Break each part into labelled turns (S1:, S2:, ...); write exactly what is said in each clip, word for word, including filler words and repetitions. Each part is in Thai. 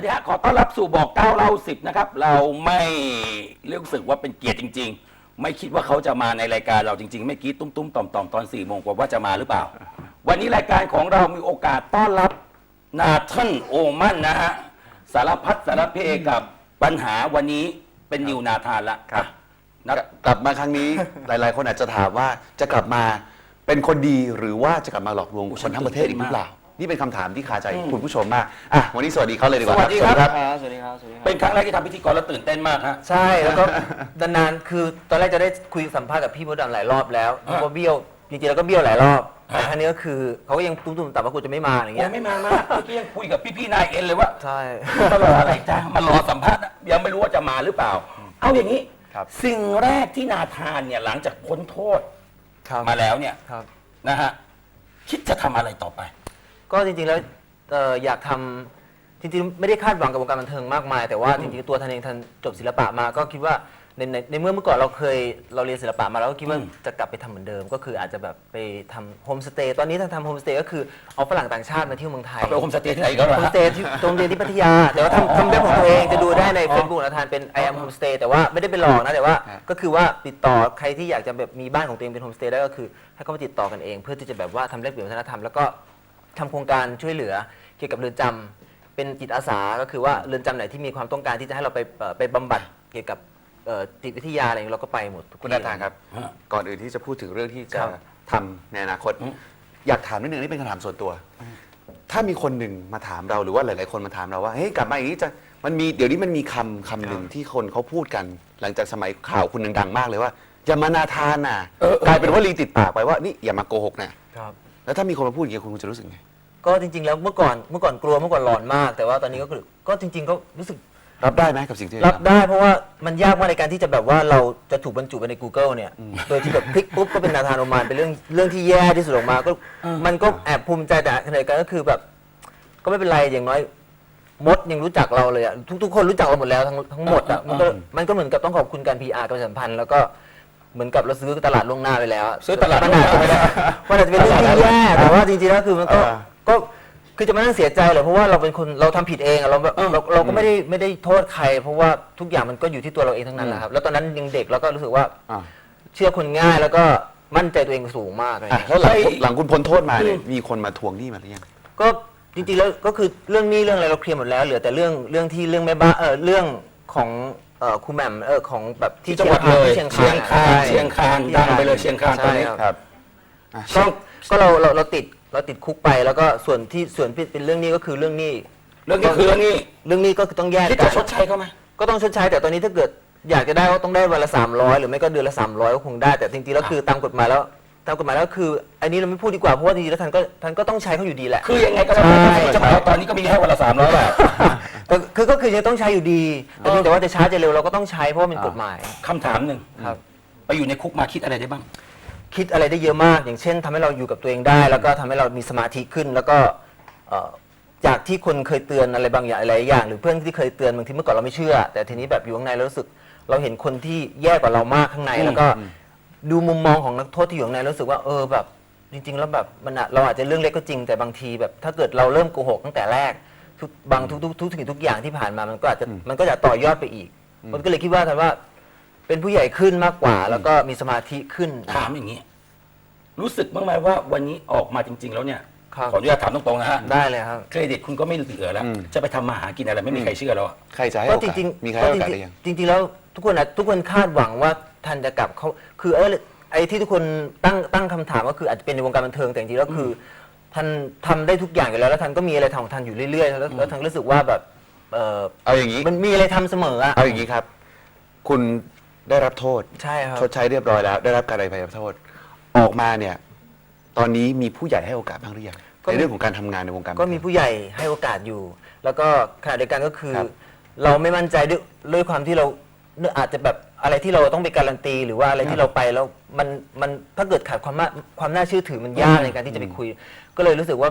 S1: ดีฮะขอต้อนรับสู่บอกเก้าเล่าสิบนะครับเราไม่รู้สึกว่าเป็นเกียรติจริงๆไม่คิดว่าเขาจะมาในรายการเราจริงๆไม่คิดตุ้มๆต่อมๆตอนสี่โมงกว่าว่าจะมาหรือเปล่าวันนี้รายการของเรามีโอกาสต้อนรับนาธานโอมันนะฮะสารพัดสารเพกับปัญหาวันนี้เป็นนิวนาธานละครับ
S2: กลับมาครั้งนี้ หลายๆ คนอาจจะถามว่าจะกลับมาเป็นคนดีหรือว่าจะกลับมาหลอกลวงคนทั้งประเทศอีกหรือเปล่านี่เป็นคำถามที่คาใจคุณผู้ชมมากอ่ะวันนี้สวัสดีเขาเลยดีกว่า
S1: สวัสดีครับ
S3: สวัสดีครับสวัสดีครับ
S1: เป็นครั้งแรกที่ทำพิธีกรแล้วตื่นเต้นมากฮะ
S3: ใช่แล้วก็นานๆคือตอนแรกจะได้คุยสัมภาษณ์กับพี่มดดำหลายรอบแล้วก็เบี้ยวจริงๆแล้วก็เบี้ยวหลายรอบแต่ครั้งนี้ก็คือเขาก็ยังตุ้มๆแต่ว่ากูจะไม่มาอย่างเงี้
S1: ยั
S3: ย
S1: งไม่มามากเมื่อกี้ยังคุยกับพี่ๆนายเอ็นเลยว่า
S3: ใช่
S1: มารออะไรจ้ามารอสัมภาษณ์ยังไม่รู้ว่าจะมาหรือเปล่าเอาอย่างนี้สิ่งแรกที่นาธานเนี่ยหลังจากพ้นโทษมาแล้วเนี่ยนะฮะคิดจะทำอะไรต่อไป
S3: ก็จริงๆแล้วอยากทำจริงๆไม่ได้คาดหวังกับวงการบันเทิงมากมายแต่ว่าจริงๆตัวท่านเองท่านจบศิลปะมาก็คิดว่าในในในเมื่อเมื่อก่อนเราเคยเราเรียนศิลปะมาแล้วก็คิดว่าจะกลับไปทำเหมือนเดิมก็คืออาจจะแบบไปทำโฮมสเตย์ตอนนี้ท่านทำโฮมสเตย์ก็คือเอาฝรั่งต่างชาติมาเที่ยวเมืองไทย
S1: ไปโฮมสเตย์ที่ไหนก็ได้
S3: โฮมสเตย์ที่โรงเรียนที่พัทยาแต่ว่าทำทำเว็บของตัวเองจะดูได้ในเฟซบุ๊กนะทานเป็น I am homestay แต่ว่าไม่ได้เป็นหลอกนะแต่ว่าก็คือว่าติดต่อใครที่อยากจะแบบมีบ้านของตัวเองเป็นโฮมสเตย์ได้ก็คือให้เขามาติดต่อกันเองเพื่อที่จะแบบว่าทำแลกเปลี่ยนวัฒนธรรมแล้วก็ทำโครงการช่วยเหลือเกี่ยวกับเรือนจำเป็นจิตอาสาก็คือว่าเรือนจำไหนที่มีความต้องการที่จะให้เราไปไปบำบัดเกี่ยวกับจิตวิทยาอะไรเราก็ไปหมด
S2: คุณนาธานครับก่อนอื่นที่จะพูดถึงเรื่องที่จะทำในอนาคตอยากถามนิดนึงนี่เป็นคำถามส่วนตัวถ้ามีคนหนึ่งมาถามเราหรือว่าหลายๆคนมาถามเราว่าเฮ้ยกลับมาอย่างนี้จะมันมีเดี๋ยวนี้มันมีคำคำหนึ่งที่คนเขาพูดกันหลังจากสมัยข่าวคุณดังๆมากเลยว่าอย่ามานาธานน่ะกลายเป็นว่าลีติดปากไปว่านี่อย่ามาโกหกนะแล้วถ้ามีคนมาพูดอย่างนี้คุณจะรู้สึกไง
S3: ก็จริงๆแล้วเมื่อก่อนเมื่อก่อนกลัวเมื่อก่อนหลอนมากแต่ว่าตอนนี้ก็คือก็จริงๆก็รู้สึก
S2: รับได้ไหมกับสิ่งที่
S3: รับได้เพราะว่ามันยากมากในการที่จะแบบว่าเราจะถูกบรรจุไปใน Google เนี่ยโดยที่แบบพลิกปุ๊บก็เป็นนาธานโอมานเป็นเรื่องเรื่องที่แย่ที่สุดออกมาก็มันก็แอบภูมิใจแต่ขณะเดียวกันก็คือแบบก็ไม่เป็นไรอย่างน้อยมดยังรู้จักเราเลยอะทุกๆคนรู้จักเราหมดแล้วทั้งทั้งหมดอะมันก็มันก็เหมือนกับต้องขอบคุณการ พี อาร์ การประชาสัมพันธ์แล้วก็เหมือนกับเราซื้อตลาดล่วงหน้าไปแล้ว
S1: ซื้อตลาดล่วงหน้าไปแล้ว
S3: มันอาจจะเป็นเรื่องที่แย่แต่ว่าจริงๆแล้วคือมันก็ก็คือจะมานั่งเสียใจเหรอเพราะว่าเราเป็นคนเราทำผิดเองเราเราเราก็ไม่ได้ไม่ได้โทษใครเพราะว่าทุกอย่างมันก็อยู่ที่ตัวเราเองทั้งนั้นแหละครับแล้วตอนนั้นยังเด็กแล้วก็รู้สึกว่าเชื่อคนง่ายแล้วก็มั่นใจตัวเองสูงมากเลย
S2: แล้วหลังหลังคุณพ้นโทษมาเนี่ยมีคนมาทวงหนี้มาหรือยัง
S3: ก็จริงๆแล้วก็คือเรื่องหนี้เรื่องอะไรเราเคลียร์หมดแล้วเหลือแต่เรื่องเรื่องที่เรื่องแม่บ้านเออเรื่องของเออครูแหม่มเออของแบบ
S1: ที่จังหวัดเลยเชียงคานเชียงคานดังไปเลยเชียงคานตอนนี้
S3: ครับก็ก็เราเราเราติดเราติดคุกไปแล้วก็ส่วนที่ส่วนเป็นเรื่องนี้ก็คือเรื่องนี้
S1: เรื่องนี้คือเรื่องนี้
S3: เรื่องนี้ก็คือต้องแยก
S1: กันคิดจะชดใช้เขาไหม
S3: ก็ต้องชดใช้แต่ตอนนี้ถ้าเกิดอยากจะได้ก็ต้องได้วันละสามร้อยหรือไม่ก็เดือนละสามร้อยก็คงได้แต่จริงๆแล้วคือตามกฎหมายแล้วตามกฎหมายแล้วคืออันนี้เราไม่พูดดีกว่าเพราะว่าจริงๆแล้วท่านก็ท่านก็ต้องใช้เขาอยู่ดีแหละ
S1: คือยังไงก็ได้จะหมายว่าตอนนี้ก็มีแค่วันละสามร้อยบาท
S3: คือก็คือยังต้องใช้อยู่ดีแต่เพียงแต่ว่าจะช้าจะเร็วเราก็ต้องใช้เพราะว่าเป็นกฎหมาย
S1: คำถามหนึ่ง
S3: ครับ
S1: ไปอยู่ในคุกมาคิดอะไรได้บ้าง
S3: คิดอะไรได้เยอะมากอย่างเช่นทำให้เราอยู่กับตัวเองได้แล้วก็ทำให้เรามีสมาธิขึ้นแล้วก็จากที่คนเคยเตือนอะไรบางอย่างอะไรอย่างหรือเพื่อนที่เคยเตือนบางทีเมื่อก่อนเราไม่เชื่อแต่ทีนี้แบบอยู่ข้างในเรารู้สึกเราเห็นคนที่แย่กว่าเรามากข้างในแล้วก็ดูมุมมองของนักโทษที่อยู่ข้างในรู้สึกว่าเออแบบจริงๆแล้วแบบมันเราอาจจะเรื่องเล็กก็จริงแต่บางทีแบบถ้าเกิดเราเริ่มโกหกตั้งแต่แรกทุกบางทุกทุกทุกสิ่งทุกอย่างที่ผ่านมามันก็อาจจะมันก็จะต่อยอดไปอีกมันก็เลยคิดว่าท่านว่าเป็นผู้ใหญ่ขึ้นมากกว่าแล้วก็มีสมาธิขึ้น
S1: ถามอย่างนี้รู้สึกบ้างไหมว่าวันนี้ออกมาจริงๆแล้วเนี่ยขออนุญาตถามตรงๆนะฮะ
S3: ได้เลยครับ
S1: เครดิตคุณก็ไม่เหลือแล้วจะไปทำมาหากินอะไรไม่มีใครเชื่อแล้ว
S2: ใครจะให้โอกาสมีใครให้โอกาสได้ยัง
S3: จริงๆแล้วทุกคนนะทุกคนคาดหวังว่าท่านจะกลับเขาคือเออไอ้ที่ทุกคนตั้งตั้งคำถามก็คืออาจจะเป็นในวงการบันเทิงแต่จริงๆแล้วคือท่านทำได้ทุกอย่างอยู่แล้วแล้วท่านก็มีอะไรทำของท่านอยู่เรื่อยๆแล้วท่านรู้สึกว่าแบบเออ
S2: เอาอย่างนี้
S3: มันมีอะไรทำเสมออะ
S2: เอาอย่างนี้ครับคุณได้รับโทษ
S3: ใช่ครับ
S2: ชดใช้เรียบร้อยแล้วได้รับการอภัยโทษออกมาเนี่ยตอนนี้มีผู้ใหญ่ให้โอกาสบ้างหรือยังในเรื่องของการทำงานในวงการ
S3: ก็มีผู้ใหญ่ให้โอกาสอยู่แล้วก็ขณะเดียวกันก็คือเราไม่มั่นใจด้วยด้วยความที่เราอาจจะแบบอะไรที่เราต้องไปการันตีหรือว่าอะไรที่เราไปแล้วมันมันถ้าเกิดขาดความความน่าเชื่อถือมันยากในการที่จะไปคุยก็เลยรู้สึกว่าแบบ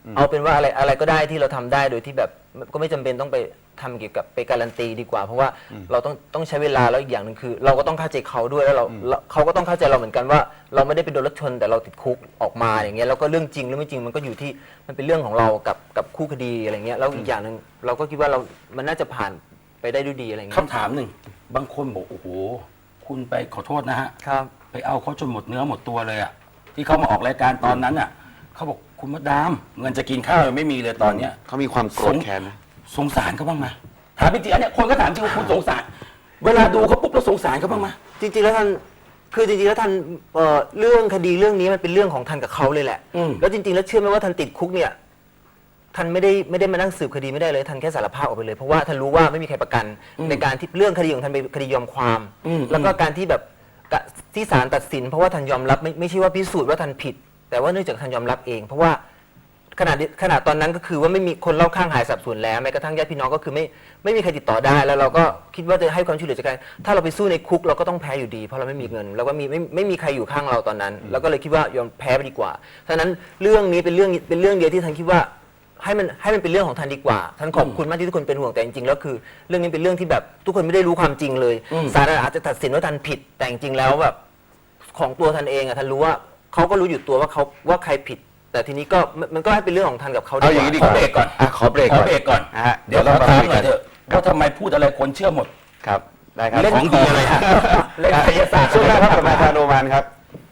S3: เอาเป็นว่าอะไรอะไรก็ได้ที่เราทำได้โดยที่แบบก็ไม่จำเป็นต้องไปทำเกี่ยวกับไปการันตีดีกว่า เพราะว่าเราต้องต้องใช้เวลาแล้วอีกอย่างหนึ่งคือ เราก็ต้องเข้าใจเขาด้วยแล้วเราเราเขาก็ต้องเข้าใจเราเหมือนกันว่า เราไม่ได้ไปโดนรถชนแต่เราติดคุกออกมาอย่างเงี้ยแล้วก็เรื่องจริงหรือไม่จริงมันก็อยู่ที่มันเป็นเรื่องของเรากับกับคู่คดีอะไรเงี้ยแล้วอีกอย่างหนึ่งเราก็คิดว่าเรา มันน่าจะผ่านไปได้ด้วยดีอะไรเงี้ย
S1: คำถามหนึ่งบางคนบอกโอ้โหคุณไปขอโทษนะฮะ
S3: ครับ
S1: ไปเอาเขาจนหมดเนื้อหมดตัวเลยอะที่เขามาออกรายการตอนนั้นอะเขาบอกคุณมดดามเงินจะกินข้าวยังไม่มีเลยตอนเนี้ย
S2: เขามีความโกรธแค้นนะ
S1: สงสารเขาบ้างไหมถามจริงๆอันเนี้ยคนก็ถามจริงว่าคุณสงสาร เวลาดูเขาปุ๊บเราสงสารเขาบ้างไหม
S3: จริงๆแล้วท่านคือจริงๆแล้วท่านเอ่อเรื่องคดีเรื่องนี้มันเป็นเรื่องของท่านกับเขาเลยแหละ
S1: อืม
S3: แล้วจริงๆแล้วเชื่อไหมว่าท่านติดคุกเนี่ยท่านไม่ได้ไม่ได้มานั่งสืบคดีไม่ได้เลยท่านแค่สารภาพออกไปเลยเพราะว่าท่านรู้ว่าไม่มีใครประกัน ในการที่เรื่องคดีของท่านเป็นคดียอมความ
S1: อืม
S3: แล้วก็การที่แบบกะที่ศาลตัดสิน เพราะว่าท่านยอมรับไม่ไม่ใช่ว่าพิสูจน์ว่าท่านผิด แต่ว่าเนื่องจากท่านยอมรับเอง เพราะว่าขนาดขนาดตอนนั้นก็คือว่าไม่มีคนเล่าข้างหายสับสนแล้วแม้กระทั่งญาติพี่น้องก็คือไม่ไม่มีใครติดต่อได้แล้วเราก็คิดว่าจะให้ความช่วยเหลือจากการถ้าเราไปสู้ในคุกเราก็ต้องแพ้อยู่ดี เพราะเราไม่มีเงินแล้วก็มีไม่ไม่มีใครอยู่ข้างเราตอนนั้น แล้วก็เลยคิดว่ายอมแพ้ไปดีกว่าฉะนั้นเรื่องนี้เป็นเรื่องเป็นเรื่องเดียวที่ท่านคิดว่าให้มันให้มันเป็นเรื่องของท่านดีกว่าท่านขอบคุณมากที่ทุกคนเป็นห่วงแต่จริงๆแล้วคือ เรื่องนี้เป็นเรื่องที่แบบทุกคนไม่ได้รู้ความจริงเลยศาลอาจจะตัดสินว่าท่านผิดแต่จริงๆแล้วแบบของตัวท่านเองอะท่านรู้ว่าเขาก็รู้อยู่ตัวว่าเขาว่าใครผิด แต่ทีนี้ก็มันมันก็ให้เป็นเรื่องของท่านกับเขา
S2: เอาอย่างนี้ดี
S1: ข
S2: ก
S1: อ
S2: ว่า
S1: เบรกก่อน
S2: อ่ะขอเบรก
S1: ขอ
S2: ก่อน
S1: เบรกก่อน
S2: นะฮะ
S1: เดี๋ยว
S2: เรา
S1: ขอ
S2: มา
S1: ถาม
S2: คุย
S1: หน่
S2: กั
S1: อน ยเถอะว่าทำไมพูดอะไรคนเชื่อหมด
S2: ครับได้ครับ
S1: เล่นของดีอะไรฮะเล่นไสยศาสตร์
S2: ช่วงหน้าครับกับนายพาโนมานครับ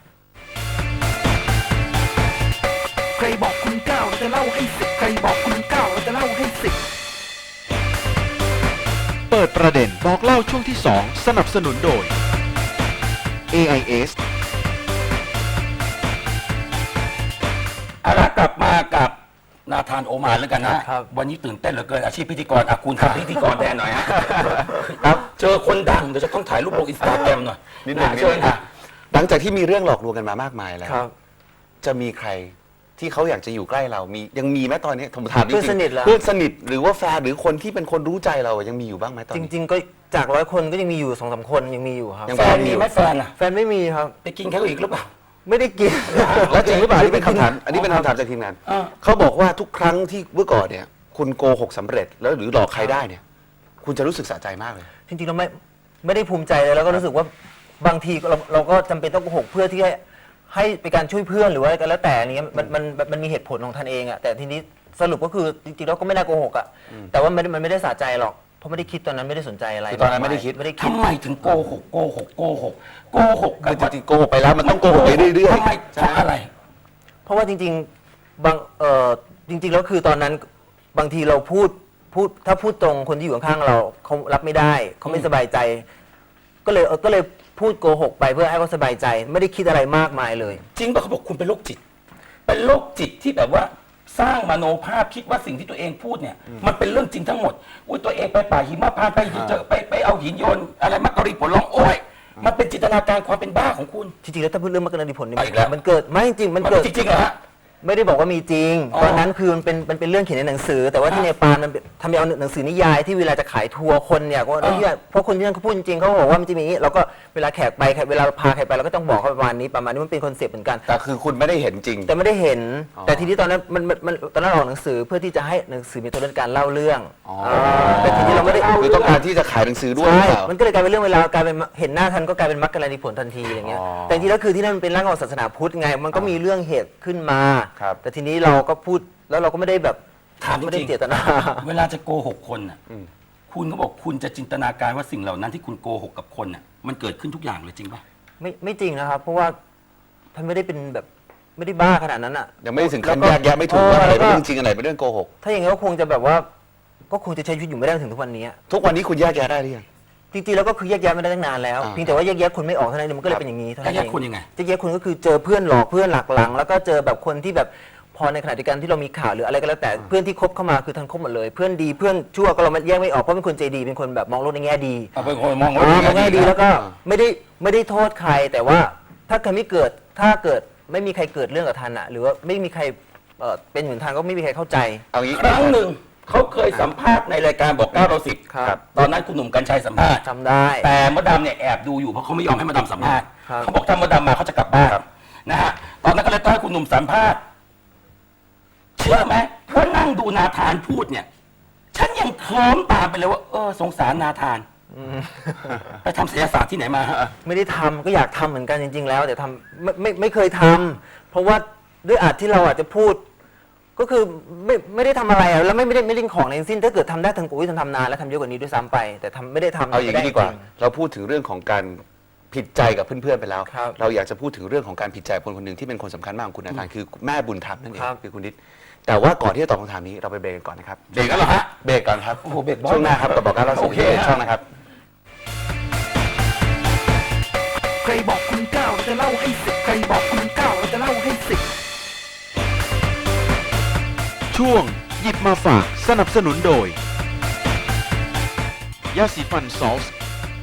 S4: ใครบอกคุณเก้าเราจะเล่าให้สิบใครบอกคุณเก้าเราจะเล่าให้สิบ
S5: เปิดประเด็นบอกเล่าช่วงที่ สอง สนับสนุนโดย เอ ไอ เอส
S1: เอาละกลับมากับนาธานโอมานแล้วกันนะวันนี้ตื่นเต้นเหลือเกินอาชีพพิธีกรอ่ะคุณทำพิธีกรแทนหน่อยฮะครับเจอคนดังเดี๋ยวจะต้องถ่ายรูปลงอินสตาแกรมหน่อย
S2: นิดหนึ่ง
S1: ะ
S2: นิด
S1: เชิ
S2: ห
S1: ญ
S2: นึ่ง
S1: ค่ะ
S2: หลังจากที่มีเรื่องหลอกลวงกันมามากมายแล้ว
S3: ครับ
S2: จะมีใครที่เขาอยากจะอยู่ใกล้เรามียังมีไหมตอนนี้ผมถามจริงๆ
S3: เพื่อนสนิทเหรอ
S2: เพื่อนสนิทหรือว่าแฟนหรือคนที่เป็นคนรู้ใจเรายังมีอยู่บ้างไหมตอน
S3: จ
S2: นี้
S3: ริง ๆ ก็จากร้อยคนก็ยังมีอยู่สองสามคนยังมีอยู่ครับ
S2: ยัง
S1: แฟนมีไหมแฟนอ่ะ
S3: แฟนไม่มีครับ
S1: ไปกินเขาอีกหรือเปล่า
S3: ไม่ได้กิน
S2: แล้วจริงหรือเปล่าอันนี้เป็นคำถามอันนี้เป็นคำถามจากทีมงาน
S1: อ่า
S2: เขาบอกว่าทุกครั้งที่เมื่อก่อนเนี่ย คุณโกหกสำเร็จแล้วหรือหลอกใครได้เนี่ย คุณจะรู้สึกสะใจมากเลย
S3: จริงๆเราไม่ไม่ได้ภูมิใจเลยแล้วก็รู้สึกว่าบางทีเราเราก็จำเป็นต้องโกหกเพื่อที่ให้ให้เป็นการช่วยเพื่อนหรือว่าอะไรก็แล้วแต่อันนี้มันมันมันมันมีเหตุผลของท่านเองอะแต่ทีนี้สรุปก็คือจริงๆเราก็ไม่น่าโกหกอะแต่ว่ามันมันไม่ได้สะใจหรอกเพราะไม่ได้คิดตอนนั้นไม่ได้สนใจอะไร
S2: คือตอนนั้นไม่ได้คิด
S3: ไม่ได้คิด
S1: ทำไมถึงโกหกโกหกโกหกโกหก
S2: คือจริงๆโกหกไปแล้วมันต้องโกหกไปเรื่อยๆ
S1: ทำไมเพราะอะไร
S3: เพราะว่าจริงๆบางเอ่อจริงๆแล้วคือตอนนั้นบางทีเราพูดพูดถ้าพูดตรงคนที่อยู่ข้างๆเราเขารับไม่ได้เขาไม่สบายใจ ก็เลยเออก็เลยพูดโกหกไปเพื่อให้เขาสบายใจ ไม่ได้คิดอะไรมากมายเลย
S1: จริงป่ะเขาบอกคุณเป็นโรคจิต เป็นโรคจิตที่แบบว่าสร้างมโนภาพคิดว่าสิ่งที่ตัวเองพูดเนี่ย มันเป็นเรื่องจริงทั้งหมดอุ้ยตัวเองไปป่าหิมะพานต์ไปเจอไปไปเอาหินโยนอะไรมักกะรีผลร้องโอ้ยมันเป็นจินตนาการความเป็นบ้าของคุณ
S3: จริงๆแล้วถ้าพูดเรื่องมรรคนาดีผลเนี่ย
S1: เอาอีกแล้ว
S3: มันเกิดไม่จริงๆมัน
S1: มัน
S3: เกิด
S1: จริงๆเหรอฮะ
S3: ไม่ได้บอกว่ามีจริง
S1: อ๋อ
S3: ตอนนั้นคือมันเป็นมันเป็นเรื่องเขียนในหนังสือ แต่ว่าที่เนปาลมันเป็นทำเอาหนังสือนิยายที่เวลาจะขายทัวร์คนเนี่ยก็ที่เพราะคนที่นั่นเขาพูดจริงๆเขาบอกว่ามันจะมีอย่างนี้เราก็เวลาแขกไปเวลาเราพาใครไปเราก็ต้องบอกเขาประมาณนี้ประมาณนี้มันเป็นคอนเซปต์เหมือนกัน
S2: แต่คือคุณไม่ได้เห็นจริง
S3: แต่ไม่ได้เห็น
S2: อ๋อ
S3: แต่ทีนี้ตอนนั้นมันมันมันตอนนั้นออกหนังสือเพื่อที่จะให้หนังสือมีตัวเรื่องการเล่าเรื่อง
S2: อ๋อ
S3: แต่ทีนี้เราไม่ได้
S2: คือต้องการที่จะขายหนังสือด้วยห
S3: ใช่
S2: รือเปล่า
S3: มันก็เลยกลายเป็นเรื่องเวลากลายเป็นเห็นหน้าทันก็กลายเป็นมรรคกรณีผลทันทีอย่างเงี้ย
S2: อ๋อ
S3: แต่จริงๆแล้วคือที่นั่นมันเป็นร่างของศาสนาพุทธไง มันก็มีเรื่องเหตุขึ้นมา
S2: ครับ
S3: แต่ทีนี้เราก็พูดแล้วเราก็ไม่ได้แบบ
S1: ถามจ
S3: ไม่ได้
S1: ริง
S3: เจตนา
S1: ๆเวลาจะโกหกคนน่ะคุณก็บอกคุณจะจินตนาการว่าสิ่งเหล่านั้นที่คุณโกหกกับคนน่ะมันเกิดขึ้นทุกอย่างเลยจริงป่ะ
S3: ไม่ไม่จริงนะครับ เพราะว่าท่านไม่ได้เป็นแบบไม่ได้บ้าขนาดนั้นอ่ะ
S2: ยังไม่ได้ถึงขั้น
S3: แล้ว
S2: แยกแยะไม่ถูกว่าอะไร
S3: แล้ว
S2: เป็นเรื่องจริงอะไรเป็นเรื่องโกหก
S3: ถ้าอย่างนี้ก็คงจะแบบว่า ก็คงจะใช้ชีวิตอยู่ไม่ได้ถึงทุกวันนี้
S2: ทุกวันนี้คุณแยกแยะได้หรือยัง
S3: จริงๆแล้วก็คือแยกแยะไม่ได้ตั้งนานแล้ว
S2: อ่า
S3: เพียงแต่ว่าแยกแยะคนไม่ออกเท่านั้นเองมันก็เลยเป็นอย่างนี้เท่านั้น
S1: แย
S3: เอก ง
S1: แยะคนยังไง
S3: แยกแยะคนก็คือเจอเพื่อนหลอกเพื่อนหลักหลัง แล้วก็เจอแบบคนที่แบบพอในขณะเดียวกันที่เรามีข่าวหรืออะไรก็แล้วแต่เพื่อนที่คบเข้ามาคือทันคบหมดเลย เพื่อนดีเพื่อนชั่วก็เราแยกไม่ออกเพราะเป็นคนใจดีเป็นคนแบบมองโลกในแง่ดี
S1: เอาเป็นคนมอง
S3: อ๋อมองแง่ดีแล้วก็
S2: อ่า
S3: ไม่ได้ไม่ได้โทษใคร แต่ว่าถ้าใครไม่เกิดถ้าเกิดไม่มีใครเกิดเรื่องกับทันอ่ะหรือว่าไม่มีใครเอ่อเป็นเหมือนทันก็ไม่มีใครเข้าใจ
S2: เอางี้
S1: ครั้งหนึ่งเขาเคยสัมภาษณ์ในรายการบอกเก้าเราสิบ
S3: ครับ
S1: ตอนนั้นคุณหนุ่มกัญชัยสัมภาษณ์
S3: จำได้
S1: แต่มดดำเนี่ยแอบดูอยู่เพราะเขาไม่ยอมให้มดดำสัมภาษณ์
S3: ครับ
S1: เขาบอกถ้ามดดำมาเขาจะกลับบ้านนะฮะตอนนั้นก็เลยต้องให้คุณหนุ่มสัมภาษณ์ เชชื่อไหมว่านั่งดูนาธานพูดเนี่ย ฉันยังเคลิ้มตามไปเลยว่าเออสงสารนาธานไปทำศิลปศาสตร์ที่ไหนมาฮะ
S3: ไม่ได้ทำก็อยากทำเหมือนกันจริง ๆ แล้วแต่ทำไม่ไม่ไม่เคยทำเพราะว่าด้วยอาจที่เราอาจจะพูด ก็คือไม่ไม่ได้ทำอะไรอะแล้วไม่ไม่ได้ไม่เล่นของในทั้งสิ้นถ้าเกิดทำได้ทางกูทำทำนานแล้วทำเยอะกว่านี้ด้วยซ้ำไป แต่ทำไม่ได้ทำ
S2: เอาอย่างนี้ดีกว่า
S3: ไม่ไจริ
S2: เราพูดถึงเรื่องของการผิดใจกับเพื่อนๆไปแล้ว
S3: ครับ
S2: เราอยากจะพูดถึงเรื่องของการผิดใจคนคนหนึ่งที่เป็นคนสำคัญมากของคุณนาธานคือแม่บุญธรรมนั่นเอง
S3: ครับ
S2: คือคุณนิดแต่ว่าก่อนที่จะตอบคำถามนี้เราไปเบรกกันก่อนนะครับ
S1: เบรกแล้วเหรอฮะ
S2: เบรกก่อนครับ
S1: โอ้โหเบรกบ่อย
S2: ช่วงหน้าครับกับบอกการเล่าสู่
S1: โอเค
S2: ที่
S1: ฮะ
S2: ช่องนะครับ
S4: ใครบอกคุณเก้าเราจะเล่าให้สิบใครบอกคุณเก้าเราจะเล่าให้สิบ
S5: ช่วงหยิบมาฝากสนับสนุนโดย ยาสีฟันซอส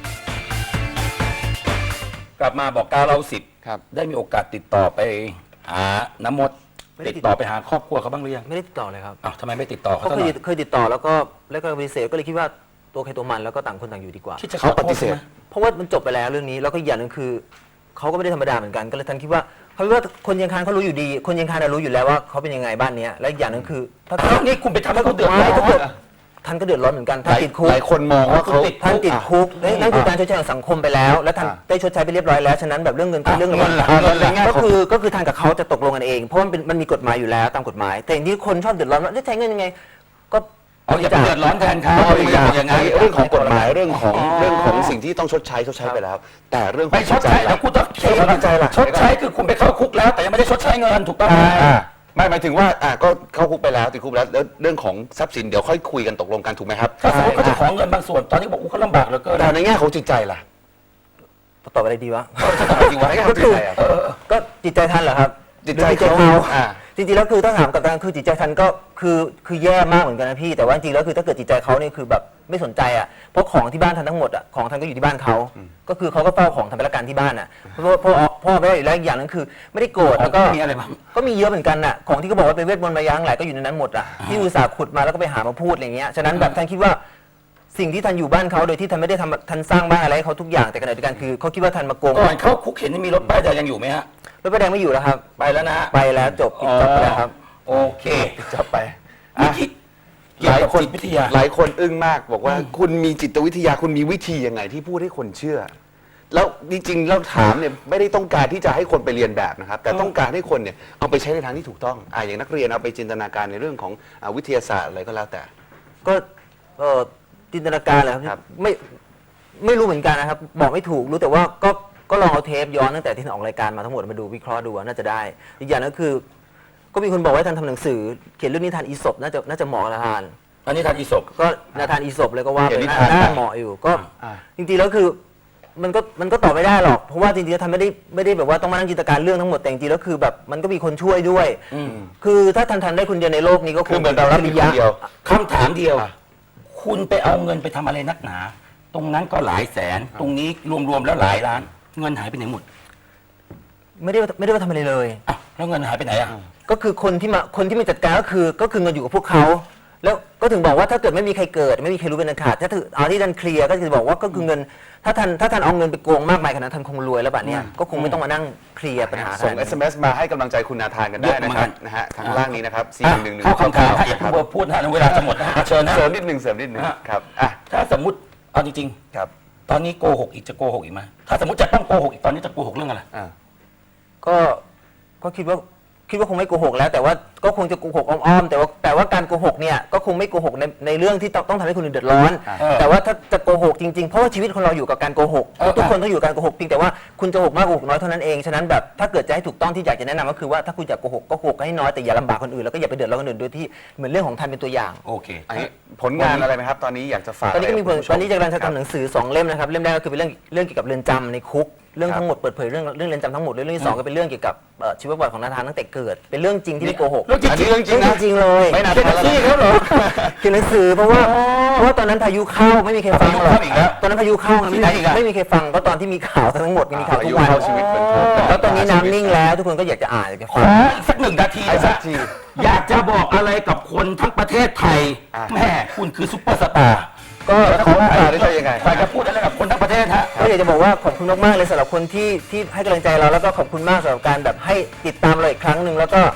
S1: กลับมาบอกเก้าเราสิบ
S2: ครับ
S1: ได้มีโอกาสติดต่อไปหาน้ำมด
S3: ไม่ได้
S1: ติด
S3: ติด
S1: ต่อไปหาครอบครัวเขาบ้างหรือยัง
S3: ไม่ได้ติดต่อเลยครับ
S1: อ้าวทำไมไม่ติดต่อเขา
S3: เขา
S1: สัก
S3: เค
S1: ห
S3: ย
S1: น่อย
S3: เคยติดต่อแล้วก็แล้วก็ปฏิเสธก็เลยคิดว่าตัวใครตัวมันแล้วก็ต่างคนต่างอยู่ดีกว่า
S1: คิดจะข
S2: เขา
S1: อโทษ
S2: ปฏิเสธ
S1: ไหม
S3: เพราะว่ามันจบไปแล้วเรื่องนี้แล้วก็อีกอย่างหนึ่งคือเขาก็ไม่ได้ธรรมดาเหมือนกันก็เลยทันคิดว่าเขาคิดว่าคนเชียงคานเขารู้อยู่ดี คนเชียงคานน่ะรู้อยู่แล้วว่าเขาเป็นยังไงบ้านเนี้ยและอีกอย่างหนึ่งคือถ้า
S1: อ้าวนี่คุณไปทำให้เขาเดือดร้อน
S3: ไม่ถ้าเกิดท่านก็เดือดร้อนเหมือนกัน
S2: ห
S3: ท่าน
S2: ลาย
S3: ติดคุก
S2: หลายคนมองว่าเขา
S1: ติด
S3: ท่านติดคุก
S2: อ่ะ
S3: นั่นคือการชดใช้ของสังคมไปแล้ว และท่าน
S2: อ่ะ
S3: ได้ชดใช้ไปเรียบร้อยแล้วฉะนั้นแบบเรื่องเงินก็เรื่อง
S1: เงินล่ะ
S3: เงิน
S1: เงินล่ะ
S3: ก็คือก็คือทางกับเขาจะตกลงกันเองเพราะมันเป็นมันมีกฎหมายอยู่แล้วตามกฎหมาย แต่อย่างที่คนชอบเดือดร้อนว่าจะใช้เงินยังไง ก็
S1: เอาอย่าไปเดือดร้อนแทนเขา
S2: เอาอีกอย่าง
S1: อย่างนั้น
S2: เรื่องของกฎหมายเรื่องของ
S1: อ๋อ
S2: เรื่องของสิ่งที่ต้องชดใช้ชดใช้ไปแล้ว แต่เรื่องข
S1: ไป
S2: อง
S1: ชดใช้
S2: จิต
S1: แล้วคุณต้อง
S2: ใช่จิตใจล่ะ
S1: ชดใช้คือคุณไปเข้าคุกแล้ว แต่ยังไม่ได้ชดใช้เงินถูกต้องไหม
S2: อ่าไม่หมายถึงว่าอ่าก็เข้าคุกไปแล้วติดคุกไปแล้วแล้วเรื่องของทรัพย์สินเดี๋ยวค่อยคุยกันตกลงกันถูกไหมครับ
S1: ถ้าสมมติเขาจะขอเงินบางส่วนตอนนี้บอกอู้เขาลำบากเหลือเกิน
S2: แต่ในแง่ของจิตใจล่ะ
S3: ตอบอะไรดีวะ
S2: จริงๆว่าในแง่ของจิตใจอ่ะ
S3: ก็จิตใจท่านเหรอครับ
S2: จิตใจ
S3: หรือ
S2: เขาอ่า
S3: จริงๆแล้วคือถ้าถามกับการคือจิตใจท่านก็คือคือแย่มากเหมือนกันนะพี่แต่ว่าจริงๆแล้วคือถ้าเกิดจิตใจเขานี่คือแบบไม่สนใจอ่ะเพราะของที่บ้านท่านทั้งหมดอ่ะของท่านก็อยู่ที่บ้านเขาก็คือเขาก็เฝ้าของทำไปละกันที่บ้านอ่ะเพราะเพราะพ่อไม่ได้อยู่แล้วอีกอย่างหนึงคือ ไม่ได้โกรธแล้วก็
S1: มีอะไรบ้าง
S3: ก็มีเยอะเหมือนกันน่ะของที่เขาบอกว่าเป็นเวทมนต์มายาทั้งหลายก็อยู่ในนั้นหมดอ่ะที่อุตส่าห์ขุดมาแล้วก็ไปหามาพูดอะไรเงี้ยฉะนั้นแบบท่านคิดว่าสิ่งที่ท่านอยู่บ้านเขาโดยที่ท่านไม่ได้ทำท่านสร้างบ้านอะไรให้เขาทุกอย่างแต่ขณะเดียวกันคือเขาคิดว่าท่านมาโกง
S1: ก่อนเข้าคุกเห็นมีรถป้ายแดงยังอยู่ไหมฮะ
S3: รถไฟแดงไม่อยู่แล้วครับ
S1: ไปแล้วนะฮะ
S3: ไปแล้วจบปิดจบไปแล้วครับ
S1: โอเค
S2: จะไป
S1: เมื่อกี้เกี่ยว
S2: หลาย
S1: กับ
S2: คน
S1: จิตวิทยา
S2: หลายคนอึ้งมากบอกว่าคุณมีจิตวิทยาคุณมีวิธียังไงที่พูดให้คนเชื่อ แล้วจริงๆแล้วถามเนี่ยไม่ได้ต้องการที่จะให้คนไปเรียนแบบนะครับ แต่ต้องการให้คนเนี่ยเอาไปใช้ในทางที่ถูกต้องอ่าอย่างนักเรียนเอาไปจินตนาการในเรื่องของอ่าวิทยาศาสตร์อะไรก็แล้วแต่
S3: ก็เอ่อจินตนาการเลยค
S2: ครั
S3: รับบ ไม่ไม่รู้เหมือนกันนะครับ บอกไม่ถูกรู้แต่ว่าก็ก็ลองเอาเทปย้อนตั้งแต่ที่ท่านออกรายการมาทั้งหมดมาดูวิเคราะห์ดูว่าน่าจะได้ อีกอย่างก็คือ ก็มีคนบอกว่าให้ท่านทำหนังสือ เขียนเรื่องนิทานอีสปน่าจะน่าจะเหมาะกับนาธาน
S1: อันนี้ทานอีศพ
S3: ก็นาธานอีสปเลยก็ว่า
S2: เขี
S3: ไป
S2: ยนนิ
S3: น่า
S2: ทาน
S3: น่า
S2: ได้
S3: เหมาะอยู่ก็
S2: อ่า
S3: จริงๆแล้วคือมันก็มันก็ตอบไม่ได้หรอกเพราะว่าจริงๆแล้วท่านไม่ได้ไม่ได้แบบว่าต้องมานั่งจินตนาการเรื่องทั้งหมดแต่จริงๆแล้วคือแบบมันก็มีคนช่วยด้วย คือถ้าท่านทำได้คนเดียวในโลกนี้ก็
S2: คือเหมือนเรารับผิดคนเดียว
S1: คำถามเดียว
S2: อ่ะ
S1: คุณไปเอาเงินไปทำอะไรนักหนา ตรงนั้นก็หลายแสน ตรงนี้รวมๆแล้วหลายล้าน เงินหายไปไหนหมด
S3: ไม่ได้ว่าไม่ได้ว่าทำอะไรเลย
S1: อ่ะแล้วเงินหายไปไหนอ่ะ
S3: ก็คือคนที่มาคนที่มาจัดการก็คือก็คือเงินอยู่กับพวกเขาแล้วก็ถึงบอกว่าถ้าเกิดไม่มีใครเกิด ไม่มีใครรู้เป็นอันขาดถ้าถือเอาที่ท่านเคลียร์ก็คือบอกว่าก็คือเงิน ถ้าท่านถ้าท่านเอาเงินไปโกงมากมายขนาดนั้นท่านคงรวยแล้วบัดเนี้ยก็คงไม่ต้องมานั่งเคลียร์ปัญหา
S2: ส่ง
S3: ขนาด
S2: เอ
S3: นี้
S2: ส เอ็ม เอส มาให้กำลังใจคุณนาธานกันได้นะครับนะฮะทางล่างนี้นะครับสี่
S1: อ่ะ
S2: หนึ่งหนึ่ง
S1: เข้าคำถามฮะอย่าเพิ่งพูดนะเวลาจะหมดนะฮะเชิญนะ
S2: เสริมนิดหนึ่งเสริมนิดหนึ่ง
S1: ฮะ
S2: ครับอ่ะ
S1: ถ้าสมมติเอาจริง
S2: ครับ
S1: ๆ ตอนนี้โกหกอีกจะโกหกอีกไหมถ้าสมมติจะต้องโกหกอีกตอนนี้จะโกหกเรื่องอะไร
S2: อ่า
S3: ก็ก็คิดว่าคิดว่าคงไม่โกหกแล้ว แต่ว่าก็คงจะโกหกอ้อมๆแต่ว่าแต่ว่าการโกหกเนี่ยก็คงไม่โกหกในในเรื่องที่ต้องต้องทำให้คนอื่นเดือดร้อน
S1: เออ
S3: แต่ว่าถ้าจะโกหกจริงๆเพราะว่าชีวิตของเราอยู่กับการโกหก
S1: เออ
S3: ทุกคนต้องอยู่กับการโกหกเพียงแต่ว่าคุณจะโกหกมากโกหกน้อยเท่านั้นเองฉะนั้นแบบถ้าเกิดจะให้ถูกต้องที่อยากจะแนะนำก็คือว่าถ้าคุณอยากโกหกก็โกหกให้น้อยแต่อย่าลำบากคนอื่นแล้วก็อย่าไปเดือดร้อนคนอื่นโดยที่เหมือนเรื่องของท่านเป็นตัวอย่าง
S1: โอเค
S2: อันนี้ผลงานอะไรไหมครับ ตอนนี้อยากจะฝาก
S3: ตอนนี้ก็มีผล
S2: ะไรบคุณผู้ช
S3: ตอนนี้จะกำลังจะ
S2: ครับ
S3: ทำหนังสือสองเล่มนะครับเล่มแรกก็คือเป็นเรื่องเรื่องเกี่ยวกับเรือนจำในคุกเรื่องทั้งหมดเปิดเผยเรื่องเรื่องเรือนจำทั้งหมดเลยเรื่องที่สองก็เป็นเรื่องเกี่ยวกับเอ่อชีวประวัติของนาธานตั้งแต่เกิด เป็นเรื่องจริงที่ไม่โกหก
S1: เรื่องจริง
S2: อันนี้เรื่องจริง
S3: เรื่
S2: นะ
S3: องจริงเลย
S2: ไม่น่า
S3: เขียนหนังสือเขาเหรอเขียนหนังสือเพราะว่าเพราะว่าตอนนั้นพายุเข้าไม่มีใครฟังหรอก
S1: พายุเข้าอีกแล้ว
S3: ตอนนั้นพายุเข้านะ
S1: ที่ไหนอีกอะ
S3: ไม่มีใครฟังก็ตอนที่มีข่าวทั้งหมดมีข่าวทุกวัน
S2: อายุเข้าชีวิตเป็นทุกข์
S3: แล้วตอนนี้น้ำนิ่งแล้วทุกคนก็อยากจะอ่านอยากจะ
S1: ข
S3: ฟั
S1: อง อีกสักหนึ่งนาที
S2: ไอ้
S1: นะ
S2: สัก
S1: ฮะ
S2: ที
S1: อยากจะบอกอะไรกับคนทั้งประเทศไทย
S2: อ่ะ
S1: แม่คุณคือซุปเปอร์สตาร์
S3: ก็
S2: แล้วเขาตาได้ใช่ยังไง
S1: อยากจะพูดอะไรกับคนทั้งประเทศฮะ
S3: ก็อยากจะบอกว่าขอบคุณมากๆเลยสำหรับคนที่ที่ให้กำลังใจเราแล้วก็ขอบคุณมากสำหรับการแบบให้ติดตามเราอีกครั้งหนึ่งแล้วก็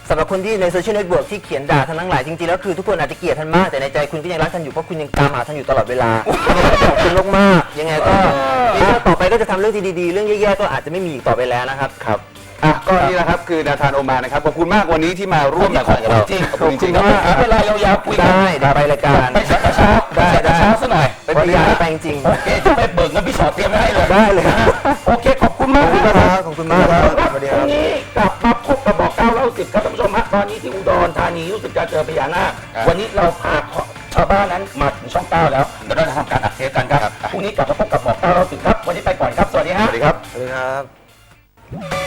S3: สำหรับคนที่ในโซเชียลเน็ตเวิร์กที่เขียนด่าท่านทั้งหลายจริงๆแล้วคือทุกคนอาจจะเกลียดท่านมากแต่ในใจคุณก็ยังรักท่านอยู่เพราะคุณยังตามหาท่านอยู่ตลอดเวลาขอบคุณมากๆยังไงก็ต่อไปก็จะทำเรื่องที่ดีๆเรื่องแย่ๆก็อาจจะไม่มีอีกต่อไปแล้วนะครับ
S2: ครับอ่ะก็นี่แหละครับคือนาธานโอมานนะครับขอบคุณมากวันนี้ที่มาร่วมรายการกับเรา
S1: จริง
S2: ขอบคุณจริงๆ
S1: ค
S2: ค
S1: รั
S2: รั
S1: บบ เวลายาวๆคุยกัน
S3: ได้เดี๋ยวไปรายการ
S1: ไปชักกระเช้า
S3: ได้
S1: ชักกระ
S3: ได้
S1: เช้าซะหน่อย
S3: ไปพยายามไปจริง
S1: โอเคจะไปเบิกเงินพี่ชอตเตรียมไว้ให้เลย
S3: ได้เลยครับ
S1: โอเคขอบคุณมาก
S3: ขอบคุณมากครับขอบคุณมากครับสวัสดี
S1: พ
S3: ครั
S1: รุ่
S3: บ
S1: งนี้กลับมาพบกับบอกเก้าเล่าสิบครับท่านผู้ชมฮะตอนนี้ที่อุดรธานีรู้สึกจะเจอพญานาค
S2: ครับ
S1: วันนี้เราพาชาวบ้านนั้นมาถึงช่องเก้าแล้วเดี๋ยวเราจะทำการอัดเทปกันครับพรุ่งนี้กลับมาพบกับบอกเก้าเล่าสิบครับวันนี้ไปก่อนครับสวัสดีฮะ
S2: สวัสดีครับ
S3: สวัสดีครับ